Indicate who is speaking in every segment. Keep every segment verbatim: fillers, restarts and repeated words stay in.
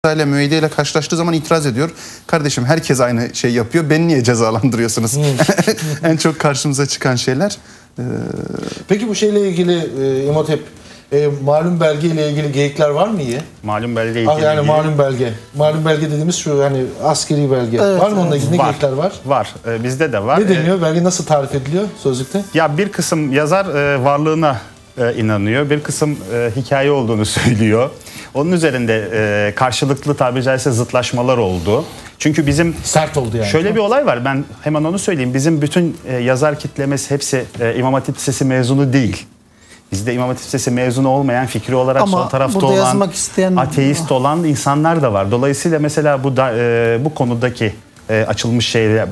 Speaker 1: ile müeyyide ile karşılaştığı zaman itiraz ediyor. Kardeşim herkes aynı şey yapıyor. Beni niye cezalandırıyorsunuz? En çok karşımıza çıkan şeyler. Ee...
Speaker 2: Peki bu şeyle ilgili e, İmhotep e, malum belge ile ilgili geyikler var mı iyi?
Speaker 3: Malum belge ile ilgili.
Speaker 2: Yani malum belge. Malum belge dediğimiz şu hani askeri belge.
Speaker 3: Evet,
Speaker 2: var mı onunla ilgili
Speaker 3: var,
Speaker 2: geyikler var?
Speaker 3: Var. Ee, bizde de var.
Speaker 2: Ne deniyor? Belge nasıl tarif ediliyor sözlükte?
Speaker 3: Ya bir kısım yazar e, varlığına e, inanıyor. Bir kısım e, hikaye olduğunu söylüyor. Onun üzerinde e, karşılıklı tabiri caizse zıtlaşmalar oldu. Çünkü bizim
Speaker 2: sert oldu yani.
Speaker 3: Şöyle bir olay var. Ben hemen onu söyleyeyim. Bizim bütün e, yazar kitlemesi hepsi e, İmam Hatip Lisesi mezunu değil. Bizde İmam Hatip Lisesi mezunu olmayan, fikri olarak
Speaker 4: ama
Speaker 3: sol tarafta olan,
Speaker 4: isteyen...
Speaker 3: ateist olan insanlar da var. Dolayısıyla mesela bu da, e, bu konudaki e, açılmış şeyler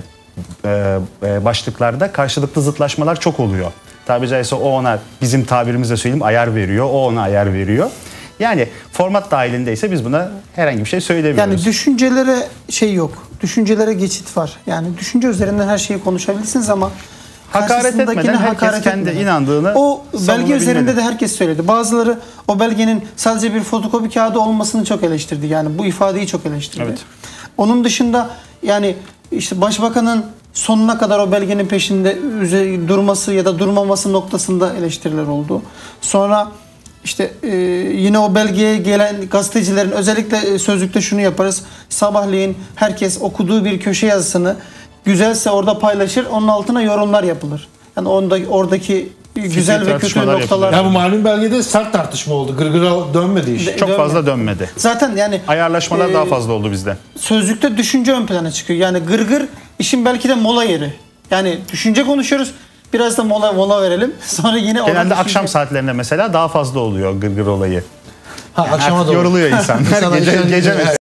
Speaker 3: e, e, başlıklarda karşılıklı zıtlaşmalar çok oluyor. Tabiri caizse o ona, bizim tabirimizle söyleyeyim, ayar veriyor. O ona ayar veriyor. Yani format dahilindeyse biz buna herhangi bir şey söylemiyoruz.
Speaker 4: Yani düşüncelere şey yok. Düşüncelere geçit var. Yani düşünce üzerinden her şeyi konuşabilirsiniz ama
Speaker 3: hakaret etmeden herkes
Speaker 4: hakaret
Speaker 3: kendi
Speaker 4: etmeden.
Speaker 3: inandığını
Speaker 4: O belge üzerinde
Speaker 3: bilmeli.
Speaker 4: de herkes söyledi. Bazıları o belgenin sadece bir fotokopi kağıdı olmasını çok eleştirdi. Yani bu ifadeyi çok eleştirdi.
Speaker 3: Evet.
Speaker 4: Onun dışında yani işte başbakanın sonuna kadar o belgenin peşinde durması ya da durmaması noktasında eleştiriler oldu. Sonra İşte e, yine o belgeye gelen gazetecilerin özellikle sözlükte şunu yaparız. Sabahleyin herkes okuduğu bir köşe yazısını güzelse orada paylaşır. Onun altına yorumlar yapılır. Yani onda, oradaki güzel ve kötü noktalar.
Speaker 2: Ya bu malum belgede sert tartışma oldu. Gırgıra dönmedi iş.
Speaker 3: Çok
Speaker 4: dönmedi.
Speaker 3: fazla dönmedi.
Speaker 4: Zaten yani
Speaker 3: ayarlaşmalar
Speaker 4: e,
Speaker 3: daha fazla oldu bizde.
Speaker 4: Sözlükte düşünce ön plana çıkıyor. Yani gırgır işin belki de mola yeri. Yani düşünce konuşuyoruz. Biraz da mola mola verelim. Sonra yine
Speaker 3: genelde akşam saatlerinde mesela daha fazla oluyor gırgır olayı.
Speaker 2: Ha,
Speaker 3: Yani
Speaker 2: akşama
Speaker 3: yoruluyor insan.
Speaker 2: İnsan
Speaker 3: gece, gece